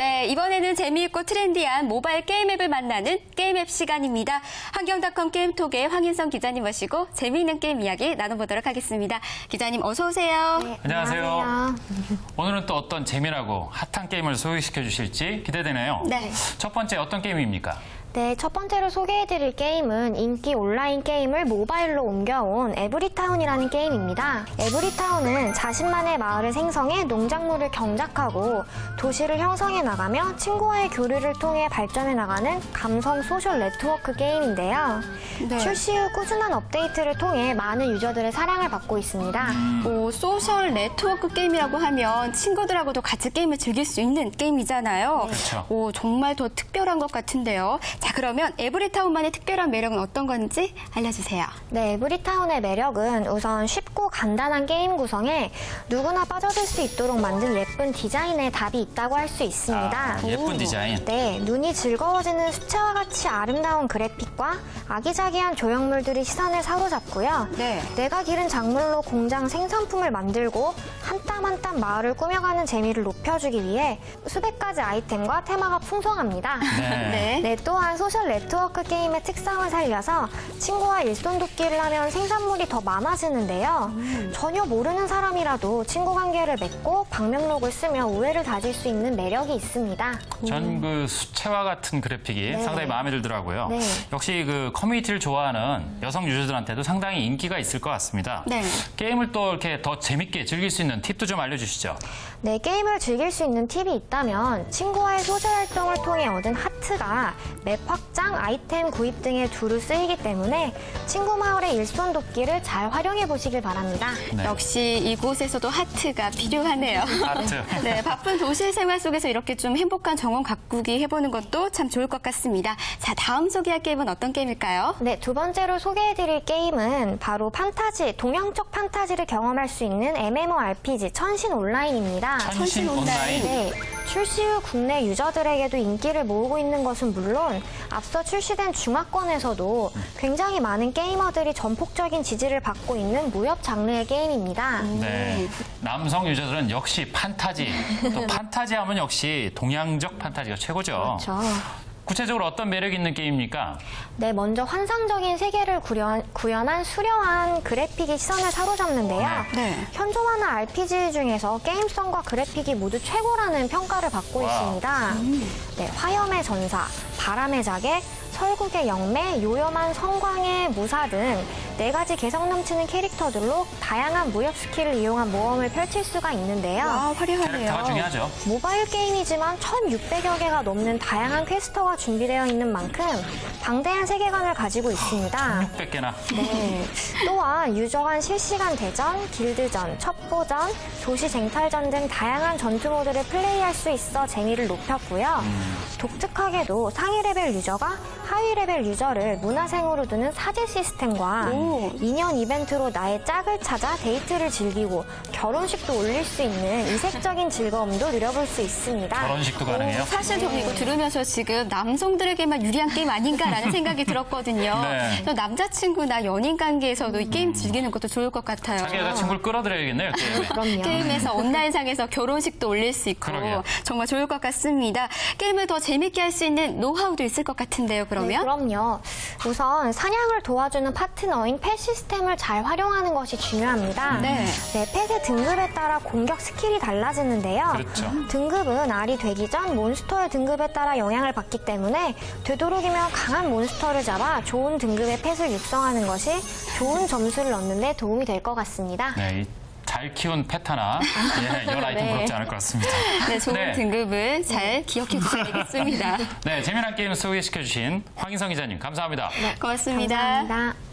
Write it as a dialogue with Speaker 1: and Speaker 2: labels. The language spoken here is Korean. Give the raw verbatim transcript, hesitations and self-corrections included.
Speaker 1: 네, 이번에는 재미있고 트렌디한 모바일 게임 앱을 만나는 게임 앱 시간입니다. 환경닷컴 게임톡의 황인성 기자님 모시고 재미있는 게임 이야기 나눠보도록 하겠습니다. 기자님 어서 오세요.
Speaker 2: 네,
Speaker 3: 안녕하세요.
Speaker 2: 안녕하세요.
Speaker 3: 오늘은 또 어떤 재미나고 핫한 게임을 소개시켜 주실지 기대되네요.
Speaker 1: 네.
Speaker 3: 첫 번째 어떤 게임입니까?
Speaker 2: 네, 첫 번째로 소개해드릴 게임은 인기 온라인 게임을 모바일로 옮겨온 에브리타운이라는 게임입니다. 에브리타운은 자신만의 마을을 생성해 농작물을 경작하고 도시를 형성해 나가며 친구와의 교류를 통해 발전해 나가는 감성 소셜 네트워크 게임인데요.
Speaker 1: 네.
Speaker 2: 출시 후 꾸준한 업데이트를 통해 많은 유저들의 사랑을 받고 있습니다.
Speaker 1: 뭐 소셜 네트워크 게임이라고 하면 친구들하고도 같이 게임을 즐길 수 있는 게임이잖아요.
Speaker 3: 그렇죠.
Speaker 1: 오, 정말 더 특별한 것 같은데요. 자, 그러면 에브리타운만의 특별한 매력은 어떤 건지 알려주세요.
Speaker 2: 네, 에브리타운의 매력은 우선 쉽고 간단한 게임 구성에 누구나 빠져들 수 있도록 만든 예쁜 디자인에 답이 있다고 할 수 있습니다.
Speaker 3: 아, 예쁜
Speaker 1: 오.
Speaker 3: 디자인.
Speaker 2: 네, 눈이 즐거워지는 수채화 같이 아름다운 그래픽과 아기자기한 조형물들이 시선을 사로잡고요.
Speaker 1: 네.
Speaker 2: 내가 기른 작물로 공장 생산품을 만들고 한 땀 한 땀 마을을 꾸며가는 재미를 높여주기 위해 수백 가지 아이템과 테마가 풍성합니다.
Speaker 3: 네.
Speaker 1: 네.
Speaker 2: 네, 또한 소셜 네트워크 게임의 특성을 살려서 친구와 일손 돕기를 하면 생산물이 더 많아지는데요.
Speaker 1: 음.
Speaker 2: 전혀 모르는 사람이라도 친구 관계를 맺고 방명록을 쓰며 우애를 다질 수 있는 매력이 있습니다.
Speaker 3: 전 그 수채화 같은 그래픽이
Speaker 2: 네.
Speaker 3: 상당히 마음에 들더라고요.
Speaker 2: 네.
Speaker 3: 역시 그 커뮤니티를 좋아하는 여성 유저들한테도 상당히 인기가 있을 것 같습니다.
Speaker 1: 네.
Speaker 3: 게임을 또 이렇게 더 재밌게 즐길 수 있는 팁도 좀 알려주시죠.
Speaker 2: 네, 게임을 즐길 수 있는 팁이 있다면 친구와의 소셜 활동을 통해 얻은 하트가 맵 확장, 아이템 구입 등에 두루 쓰이기 때문에 친구 마을의 일손 돕기를 잘 활용해 보시길 바랍니다.
Speaker 3: 네.
Speaker 1: 역시 이곳에서도 하트가 필요하네요.
Speaker 3: 하트.
Speaker 1: 네, 바쁜 도시 생활 속에서 이렇게 좀 행복한 정원 가꾸기 해보는 것도 참 좋을 것 같습니다. 자, 다음 소개할 게임은 어떤 게임일까요?
Speaker 2: 네, 두 번째로 소개해드릴 게임은 바로 판타지, 동양적 판타지를 경험할 수 있는 엠엠오알피지 천신 온라인입니다.
Speaker 3: 천신 온라인.
Speaker 2: 네, 출시 후 국내 유저들에게도 인기를 모으고 있는 것은 물론 앞서 출시된 중화권에서도 굉장히 많은 게이머들이 전폭적인 지지를 받고 있는 무협 장르의 게임입니다.
Speaker 3: 네. 남성 유저들은 역시 판타지. 또 판타지 하면 역시 동양적 판타지가 최고죠.
Speaker 2: 그렇죠.
Speaker 3: 구체적으로 어떤 매력 있는 게임입니까?
Speaker 2: 네, 먼저 환상적인 세계를 구현, 구현한 수려한 그래픽이 시선을 사로잡는데요.
Speaker 1: 네.
Speaker 2: 현존하는 알피지 중에서 게임성과 그래픽이 모두 최고라는 평가를 받고
Speaker 3: 와우.
Speaker 2: 있습니다. 네, 화염의 전사, 바람의 자객, 설국의 영매, 요염한 성광의 무사 등 네 가지 개성 넘치는 캐릭터들로 다양한 무협 스킬을 이용한 모험을 펼칠 수가 있는데요.
Speaker 1: 와, 화려하네요.
Speaker 3: 캐릭터가 중요하죠.
Speaker 2: 모바일 게임이지만 천육백여 개가 넘는 다양한 퀘스트가 준비되어 있는 만큼 방대한 세계관을 가지고 있습니다.
Speaker 3: 육백 개나.
Speaker 2: 네. 또한 유저 간 실시간 대전, 길드전, 첩보전, 도시 쟁탈전 등 다양한 전투 모드를 플레이할 수 있어 재미를 높였고요. 독특하게도 상위 레벨 유저가 하위 레벨 유저를 문화생으로 두는 사제 시스템과
Speaker 1: 오.
Speaker 2: 인연 이벤트로 나의 짝을 찾아 데이트를 즐기고 결혼식도 올릴 수 있는 이색적인 즐거움도 누려볼 수 있습니다.
Speaker 3: 결혼식도 가능해요?
Speaker 1: 사실 저는 이거 들으면서 지금 남성들에게만 유리한 게임 아닌가라는 생각이 들었거든요.
Speaker 3: 네.
Speaker 1: 또 남자친구나 연인 관계에서도 이 게임 즐기는 것도 좋을 것 같아요.
Speaker 3: 자기 여자친구를 끌어들여야겠네요, 게임에.
Speaker 2: 그럼요.
Speaker 1: 게임에서 온라인상에서 결혼식도 올릴 수 있고
Speaker 3: 그러게요.
Speaker 1: 정말 좋을 것 같습니다. 게임을 더 재밌게 할 수 있는 노하우도 있을 것 같은데요, 그러면?
Speaker 2: 네, 그럼요. 우선 사냥을 도와주는 파트너인 펫 시스템을 잘 활용하는 것이 중요합니다.
Speaker 1: 네.
Speaker 2: 네, 펫의 등급에 따라 공격 스킬이 달라지는데요.
Speaker 3: 그렇죠.
Speaker 2: 등급은 알이 되기 전 몬스터의 등급에 따라 영향을 받기 때문에 되도록이면 강한 몬스터를 잡아 좋은 등급의 펫을 육성하는 것이 좋은 점수를 얻는 데 도움이 될 것 같습니다.
Speaker 3: 네, 이 잘 키운 펫 하나, 예, 열 아이템
Speaker 1: 네.
Speaker 3: 부럽지 않을 것 같습니다.
Speaker 1: 네, 좋은
Speaker 3: 네.
Speaker 1: 등급을 잘 기억해 주셔야 되겠습니다.
Speaker 3: 네, 재미난 게임 소개시켜주신 황인성 기자님, 감사합니다.
Speaker 1: 고맙습니다.
Speaker 2: 감사합니다.